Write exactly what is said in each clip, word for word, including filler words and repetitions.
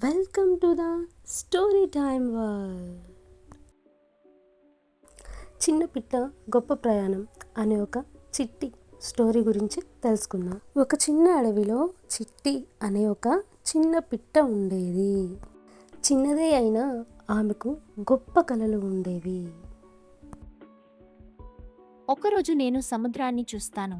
Welcome to the story time world. చిన్న పిట్ట గొప్ప ప్రయాణం అనే ఒక చిట్టి స్టోరీ గురించి తెలుసుకుందాం. ఒక చిన్న అడవిలో చిట్టి అనే ఒక చిన్న పిట్ట ఉండేది. చిన్నదే అయినా ఆమెకు గొప్ప కలలు ఉండేవి. ఒకరోజు నేను సముద్రాన్ని చూస్తాను.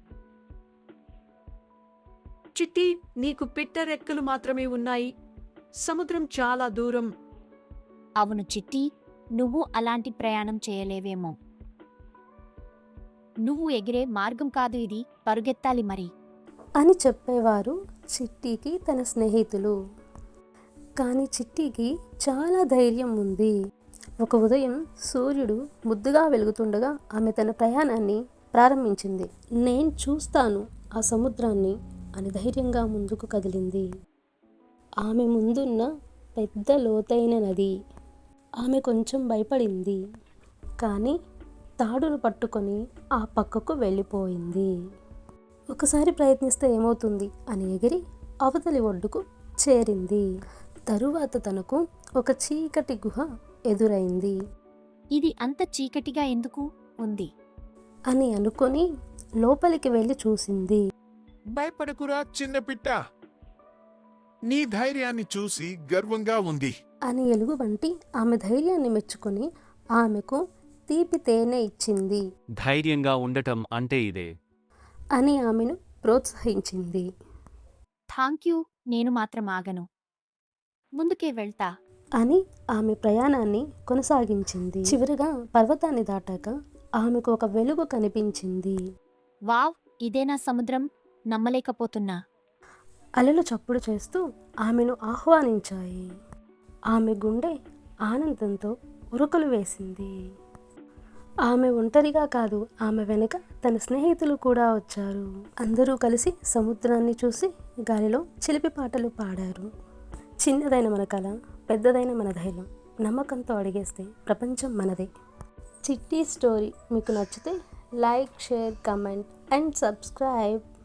చిట్టి, నీకు పిట్ట రెక్కలు మాత్రమే ఉన్నాయి. సముద్రం చాలా దూరం. అవును చిట్టి, నువ్వు అలాంటి ప్రయాణం చేయలేవేమో. నువ్వు ఎగిరే మార్గం కాదు ఇది, పరుగెత్తాలి మరి అని చెప్పేవారు చిట్టికి తన స్నేహితులు. కానీ చిట్టికి చాలా ధైర్యం ఉంది. ఒక ఉదయం సూర్యుడు ముద్దుగా వెలుగుతుండగా ఆమె తన ప్రయాణాన్ని ప్రారంభించింది. నేను చూస్తాను ఆ సముద్రాన్ని అని ధైర్యంగా ముందుకు కదిలింది. ఆమె ముందున్న పెద్ద లోతైన నది. ఆమె కొంచెం భయపడింది, కానీ తాడును పట్టుకొని ఆ పక్కకు వెళ్ళిపోయింది. ఒకసారి ప్రయత్నిస్తే ఏమవుతుంది అని ఎగిరి అవతలి ఒడ్డుకు చేరింది. తరువాత తనకు ఒక చీకటి గుహ ఎదురైంది. ఇది అంత చీకటిగా ఎందుకు ఉంది అని అనుకొని లోపలికి వెళ్ళి చూసింది. భయపడకురా చిన్న పిట్ట, నీ ధైర్యాన్ని చూసి గర్వంగా ఉంది అని ఎలుగుబంటి ఆమె ధైర్యాన్ని మెచ్చుకొని ఆమెకు తీపి తేనె ఇచ్చింది. ధైర్యంగా ఉండటం అంటే ఇదే అని ఆమెను ప్రోత్సహించింది. థాంక్ యూ, నేను మాత్రం ఆగను, ముందుకే వెళ్తా అని ఆమె ప్రయాణాన్ని కొనసాగించింది. చివరిగా పర్వతాన్ని దాటాక ఆమెకు ఒక వెలుగు కనిపించింది. వావ్, ఇదేనా సముద్రం, నమ్మలేకపోతున్నా. అలలు చప్పుడు చేస్తూ ఆమెను ఆహ్వానించాయి. ఆమె గుండె ఆనందంతో ఉరుకులు వేసింది. ఆమె ఒంటరిగా కాదు, ఆమె వెనుక తన స్నేహితులు కూడా వచ్చారు. అందరూ కలిసి సముద్రాన్ని చూసి గాలిలో చిలిపి పాటలు పాడారు. చిన్నదైన మన కళ, పెద్దదైన మన ధైర్యం, నమ్మకంతో అడిగేస్తే ప్రపంచం మనదే. చిట్టి స్టోరీ మీకు నచ్చితే like, share, comment and subscribe.